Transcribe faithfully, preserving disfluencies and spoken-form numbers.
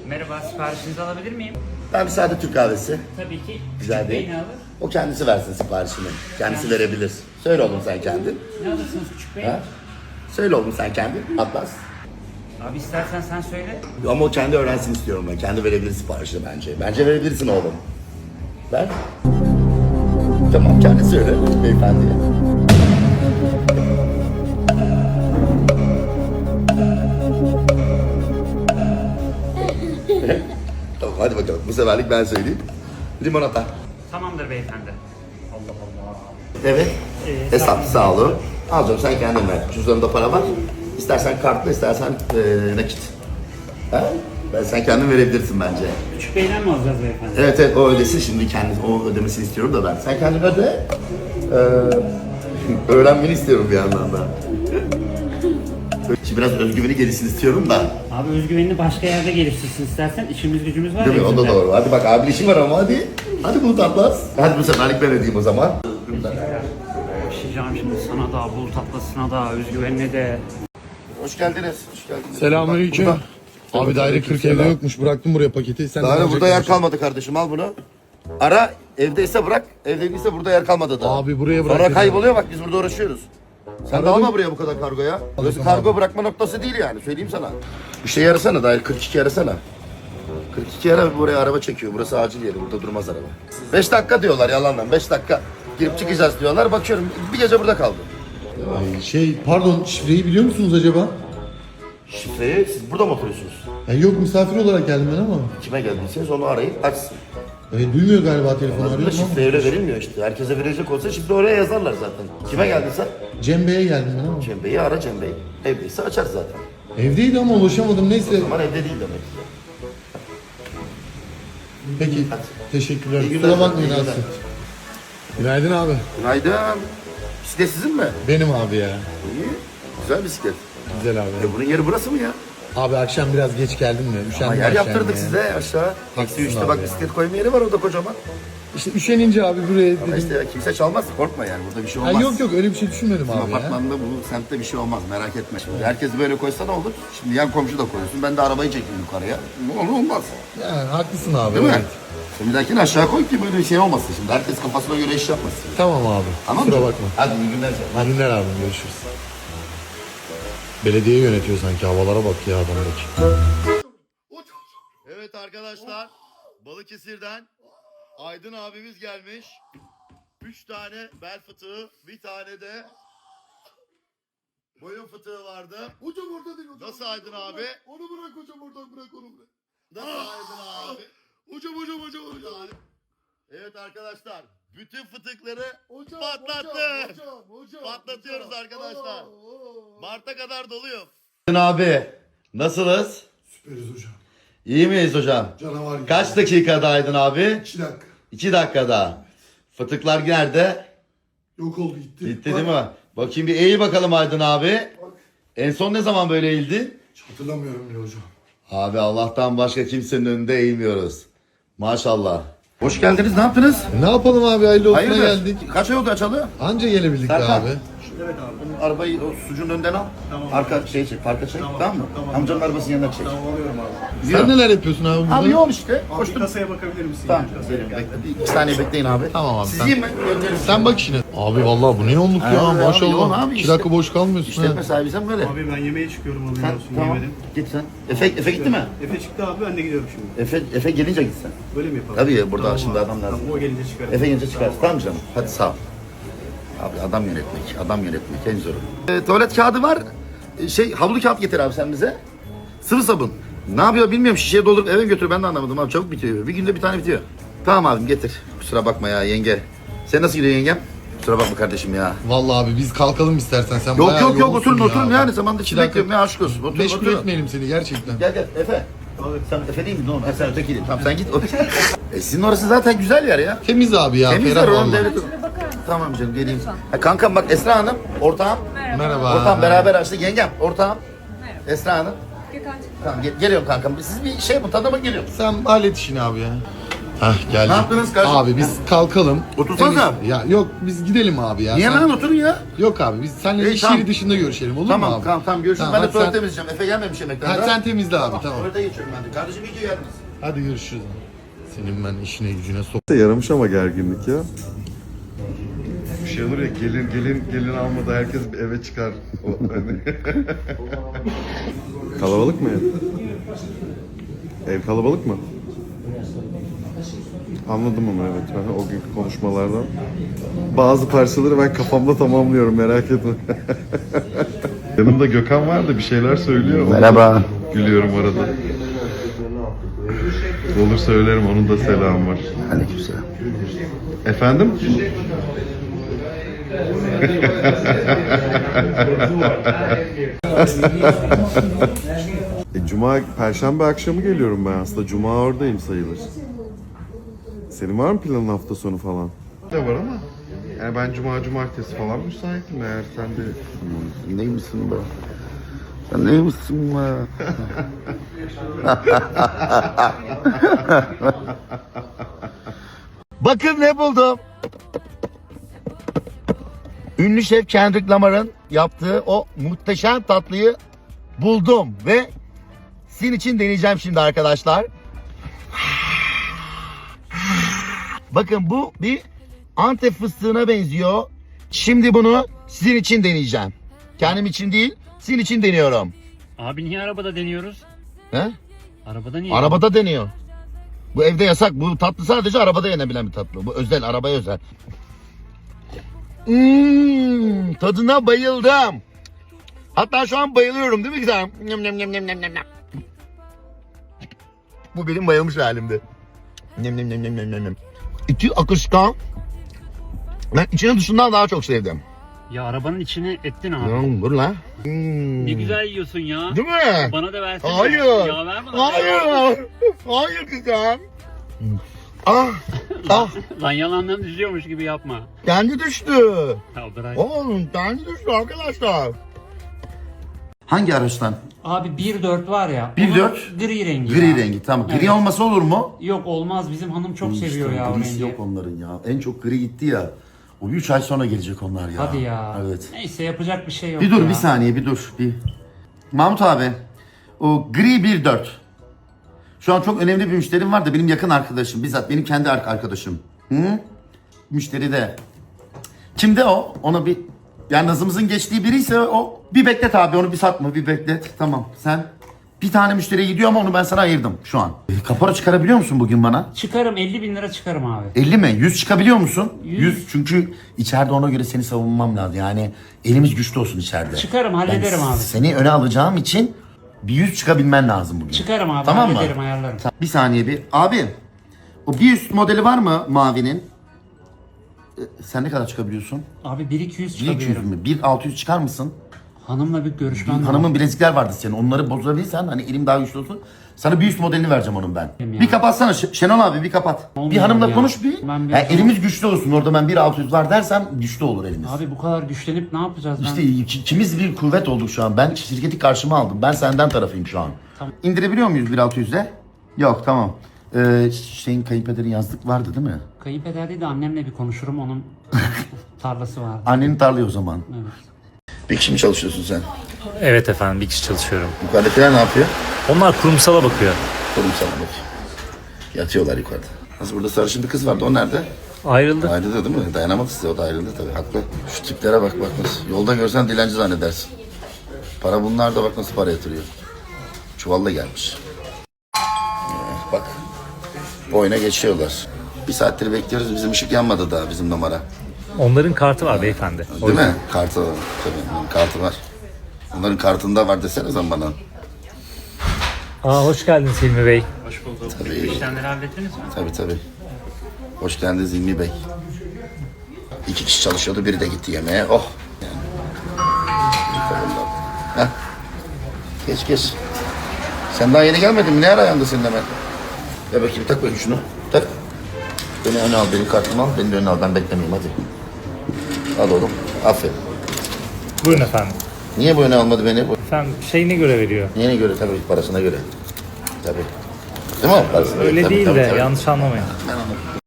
Merhaba, siparişinizi alabilir miyim? Ben bir sade Türk kahvesi. Tabii ki. Güzel Küçük değil. bey ne alır? O kendisi versin siparişini. Kendisi verebilir. Söyle oğlum sen kendin. Ne alırsınız küçük bey? Ha? Söyle oğlum sen kendin. Atlas. Abi istersen sen söyle. Ama o kendi öğrensin istiyorum ben. Kendi verebilir siparişini bence. Bence verebilirsin oğlum. Ver. Tamam kendi söyle beyefendiye. Tamam hadi bakalım. Bu seferlik ben söyleyeyim. Limonata. Tamamdır beyefendi. Allah Allah. Evet. Ee, Hesap sağ olun. Al canım sen kendin ver. Cüzdanında para var. İstersen kartla istersen ee, nakit. Ha? Ben sen kendin verebilirsin bence. Küçük beyden mi alacağız beyefendi? Evet evet o ödesin şimdi kendi o ödemesini istiyorum da ben. Sen kendin öde. Ee, öğrenmeni istiyorum bir yandan da. Şimdi biraz özgüveni gelişsin istiyorum da. Abi özgüvenini başka yerde geliştirsin istersen. İşimiz gücümüz var. Değil mi? ya O da bizim de. doğru. Hadi bak abi işim var ama hadi. Hadi Bulut Atlas. Hadi bu seferlik ben ödeyeyim o zaman. Başlayacağım şimdi sana da, bul tatlısına da, özgüvenine de. Hoş geldiniz. Hoş geldiniz. Selamünaleyküm. Bak, burada. Abi daire kırk evde yokmuş. Bıraktım buraya paketi. Sen de Daha alacak burada yer mısın? kalmadı kardeşim al bunu. Ara evdeyse bırak, evde değilse burada yer kalmadı da. Abi buraya bırak Sonra dedim. kayboluyor bak biz burada uğraşıyoruz. Sen de Aradım. alma buraya bu kadar kargo ya. Burası Aldım kargo abi. bırakma noktası değil yani söyleyeyim sana. Bir şey arasana dair kırk iki arasana. kırk iki ara buraya araba çekiyor. Burası acil yeri. Burada durmaz araba. beş dakika diyorlar yalandan. beş dakika girip çıkacağız diyorlar. Bakıyorum bir gece burada kaldım. Ay, şey pardon şifreyi biliyor musunuz acaba? Şifreyi siz burada mı oturuyorsunuz? Yani yok misafir olarak geldim ben ama. Kime geldiyseniz onu arayın açsın. E, duymuyor galiba telefonu Aslında arıyorum şifre ama. öyle verilmiyor işte. Herkese verecek olsa şifre oraya yazarlar zaten. Kime geldiyse Cem Bey'e geldim ben ama. Cem Bey'i ara Cem Bey. Evdeyse açar zaten. Evdeydi ama ulaşamadım neyse. Ama evde değil demek ki. Peki teşekkürler. İyi günler. Kusura bakmayın İyi günler. Aslı. Günaydın abi. Günaydın. Bisiklet sizin mi? Benim abi ya. İyi. Güzel bisiklet. Güzel abi. E bunun yeri burası mı ya? Abi akşam biraz geç geldim de. Ama Üşendim yer akşam yaptırdık ya. size aşağı. Eksi üçte abi bak ya. bisiklet koyma yeri var orada kocaman. İşte üşenince abi buraya Ama dedim. işte ya, kimse çalmaz korkma yani burada bir şey Ha, olmaz. yok yok öyle bir şey düşünmedim Bizim abi ya. apartmanda bu semtte bir şey olmaz merak etme. Şimdi herkes böyle koysa ne olur? Şimdi yan komşu da koyuyorsun ben de arabayı çekeyim yukarıya. Ne olur olmaz. Yani haklısın abi. Değil mi? evet. Şimdi bir dahakini aşağı koy ki böyle bir şey olmasın şimdi. Herkes kafasına göre iş yapmasın. Tamam abi. Tamam Kusura mı? bakma. Hadi iyi günler canım. İyi günler abi görüşürüz. Belediye yönetiyor sanki havalara bak ya adamdaki. Evet arkadaşlar, Balıkesir'den Aydın abimiz gelmiş. Üç tane bel fıtığı, bir tane de boyun fıtığı vardı. Hocam orada değil hocam. Nasıl Aydın abi? Onu bırak hocam oradan bırak onu bırak. Nasıl Aydın abi? Hocam hocam hocam hocam. Evet arkadaşlar, bütün fıtıkları Hocam patlattı. hocam hocam hocam. Patlatıyoruz hocam. arkadaşlar. Oo, oo. Mart'a kadar doluyor. Aydın abi, nasılız? Süperiz hocam. İyi miyiz hocam? Canavar gibi. Kaç dakikada Aydın abi? İki dakika. İki dakikada. Fıtıklar nerede? Yok oldu gitti. Gitti Bak, değil mi? Bakayım bir eğil bakalım Aydın abi. Bak. En son ne zaman böyle eğildin? Hiç hatırlamıyorum bile hocam. Abi Allah'tan başka kimsenin önünde eğilmiyoruz. Maşallah. Hoş geldiniz. Ne yaptınız? Ne yapalım abi hayırlı olsuna Hayırdır? geldik. Kaç ay oldu açalı? Anca gelebildik be Serkan. abi. Evet abi. Arabayı o sucuğun önden al. Tamam. Arka şey çek, parka çek. Tamam, mı? tamam. Amcanın arabasının yanına çek. Tamam alıyorum abi. Sen neler yapıyorsun abi burada? Abi yoğun işte. Abi bir Koştum. kasaya bakabilir misin? Tamam. Ya? Kasaya Bekle, gel. bekle. İki saniye bekleyin abi. Tamam abi, Siz sen- yiyin mi? Gönderin. Sen bak işine. Abi vallahi bu ne yoğunluk ya Abi, abi, yoğun maşallah. abi İki işte. dakika boş kalmıyorsun İşletme ha. sahibi sen böyle. Abi ben yemeğe çıkıyorum haberin Sen, olsun tamam. yemedim. Git sen. Efe, Efe gitti mi? Efe çıktı abi ben de gidiyorum şimdi. Efe, Efe gelince git sen. Böyle mi yapalım? Tabii ya, burada Tamam şimdi abi. adam lazım. Tamam o gelince çıkarım. Efe gelince çıkarsın. Tamam canım. Hadi sağ ol. Abi adam yönetmek, adam yönetmek en zoru. E, tuvalet kağıdı var. E, şey havlu kağıt getir abi sen bize. Sıvı sabun. Ne yapıyor bilmiyorum. Şişeye doldurup eve götür. Ben de anlamadım abi. Çabuk bitiyor. Bir günde bir tane bitiyor. Tamam abim getir. Kusura bakma ya yenge. Sen nasıl gidiyor yengem? Kusura bakma kardeşim ya. Vallahi abi biz kalkalım istersen sen Yok bayağı yok yok yoğunsun oturun ya. oturun yani zamanda İki için dakika bekliyorum ya aşk olsun. Oturun Meşgul oturun. etmeyelim seni gerçekten. Gel gel Efe. Abi sen Efe değil mi? Oğlum? Ha, sen öteki değil. Tamam sen git. e, sizin orası zaten güzel yer ya. Temiz abi ya. Temizler ferah oğlum vallahi. devlet. Tamam canım geleyim. Ha, kankam bak Esra Hanım ortağım. Merhaba. Ortağım beraber açtık. Yengem ortağım. Esra Hanım. Gökhan'cığım. Tamam gel- geliyorum kankam. Siz bir şey yapın tanıma geliyorum. Sen hallet işini abi ya. Hah geldi. Ne yaptınız kardeşim? Abi biz kalkalım. Otursanıza. Temiz- Ya yok biz gidelim abi ya. Niye Sen- lan oturun ya? Yok abi biz seninle İyi, iş tamam. yeri dışında görüşelim olur Tamam mu abi? tamam tamam görüşürüz. Tamam, Ben de hadi tuvalet sen- temizleyeceğim. Efe gelmemiş yemekten. Hadi daha. sen temizle abi tamam. Tuvalete geçiyorum ben de. Kardeşim iyi ki geldiniz. Hadi görüşürüz. Senin ben işine gücüne sok. Yaramış ama gerginlik ya. Bir şey olur ya gelin gelin gelin almadı herkes bir eve çıkar. O, hani. Kalabalık mı ev? Ev kalabalık mı? Anladım ama evet. Ben o günkü konuşmalardan bazı parçaları ben kafamda tamamlıyorum merak etme. Yanımda Gökhan var da bir şeyler söylüyor. Merhaba. Gülüyorum arada. Olur söylerim onun da selamı var. Aleykümselam. Efendim? e, Cuma, Perşembe akşamı geliyorum ben aslında. Cuma oradayım sayılır. Senin var mı planın hafta sonu falan? Ne var ama. Yani ben Cuma, Cumartesi falan müsaitim eğer sen de... Sen neymişsin be? Sen neymişsin be? Bakın ne buldum. Ünlü şef Kendrick Lamar'ın yaptığı o muhteşem tatlıyı buldum ve sizin için deneyeceğim şimdi arkadaşlar. Bakın bu bir Antep fıstığına benziyor. Şimdi bunu sizin için deneyeceğim. Kendim için değil, sizin için deniyorum. Abi niye arabada deniyoruz? He? Arabada niye? Arabada deniyor. Bu evde yasak. Bu tatlı sadece arabada yenebilen bir tatlı. Bu özel, arabaya özel. Hmm, tadına bayıldım. Hatta şu an bayılıyorum değil mi güzel? Nyam, nyam, nyam, nyam, nyam, nyam. Bu benim bayılmış halimdi. Nyam, nyam, nyam, nyam, nyam, nyam. İçi akışkan. Ben içini dışından daha çok sevdim. Ya arabanın içine ettin abi. Hmm, dur lan. Hmm. Ne güzel yiyorsun ya. Değil mi? Bana da versene. Hayır. Ya ver bana. Hayır. Hayır güzel. Ah. Ah. Lan yalandan düşüyormuş gibi yapma. Kendi düştü. Ya bırak. Oğlum kendi düştü arkadaşlar. Hangi araçtan? Abi bir dört var ya. bir onun dört? Gri rengi Gri ya. rengi tamam. Gri Evet. olması olur mu? Yok olmaz, bizim hanım çok İşte seviyor ya o grisi rengi. yok onların ya. En çok gri gitti ya. O üç ay sonra gelecek onlar ya. Hadi ya. Evet. Neyse yapacak bir şey yok Bir dur ya. bir saniye bir dur. Bir. Mahmut abi. O gri bir dört. Şu an çok önemli bir müşterim var da benim yakın arkadaşım. Bizzat benim kendi arkadaşım. Hı? Müşteri de. Kimde o? Ona bir... Yani nazımızın geçtiği biriyse o bir beklet abi onu bir satma bir beklet. Tamam sen bir tane müşteriye gidiyor ama onu ben sana ayırdım şu an. E, kapora çıkarabiliyor musun bugün bana? Çıkarım, elli bin lira çıkarım abi. elli mi? yüz çıkabiliyor musun? yüz. yüz çünkü içeride ona göre seni savunmam lazım. Yani elimiz güçlü olsun içeride. Çıkarım, hallederim Ben abi. Seni öne alacağım için bir yüz çıkabilmen lazım bugün. Çıkarım abi, Tamam mı? hallederim, ayarlarım. Ta- Bir saniye bir. Abi o bir üst modeli var mı mavinin? E, sen ne kadar çıkabiliyorsun? Abi bir iki yüz bir iki yüz çıkabilirim. mü? bir altı yüz çıkar mısın? Hanımla bir görüşmem lazım. Hanımın bilezikler vardı senin. Onları bozabilirsen hani elim daha güçlü olsun. Sana bir üst modelini vereceğim onun ben. Ya. Bir kapatsana Ş- Şenol abi bir kapat. Olmuyor bir hanımla ya. konuş bir. Ben bir- Ha, elimiz güçlü olsun. Orada ben bir altı yüz var dersem güçlü olur elimiz. Abi bu kadar güçlenip ne yapacağız? İşte ben... iki- ikimiz bir kuvvet olduk şu an. Ben şirketi karşıma aldım. Ben senden tarafıyım şu an. Tamam. İndirebiliyor muyuz bir altı yüze? Yok tamam. Ee, şeyin kayınpederin yazlık vardı değil mi? Kayınpeder değil de annemle bir konuşurum, onun tarlası var. Annenin tarlayı o zaman. Evet. Bir kişi mi çalışıyorsun sen? Evet efendim, bir kişi çalışıyorum. Yukarıdakiler ne yapıyor? Onlar kurumsala bakıyor. Kurumsal bak. Yatıyorlar yukarıda. Nasıl burada sarışın bir kız vardı o nerede? Ayrıldı. Ayrıldı değil mi? Dayanamadı size o da ayrıldı tabii haklı. Şu tiplere bak bak nasıl. Yolda görsen dilenci zannedersin. Para bunlar da bak nasıl para yatırıyor. Çuvalla gelmiş. Ee, bak. Boyuna geçiyorlar. Bir saattir bekliyoruz bizim ışık yanmadı daha bizim numara. Onların kartı var beyefendi. O Değil yüzden. mi? Kartı var. Tabii onların kartı var. Onların kartında var desene sen bana. Aa, hoş geldiniz Hilmi Bey. Hoş bulduk. Tabii. İşlemleri hallettiniz mi? Tabii tabii. Hoş geldiniz İlmi Bey. İki kişi çalışıyordu, biri de gitti yemeğe. Oh! Yani. Heh. Geç geç. Sen daha yeni gelmedin mi? Ne ara ayağında senin hemen? Ver bakayım, tak bakayım şunu. Tak. Beni öne al, benim kartımı al. Beni de öne al, ben beklemeyeyim hadi. Al oğlum, aferin. Buyurun efendim. Niye bu öne almadı beni? Bu Efendim şeyine göre veriyor. neyine göre? Tabii parasına göre. Tabii. Değil mi? Parasını. Öyle Tabii, değil tabii, de tabii. yanlış anlamayın. Ben anladım.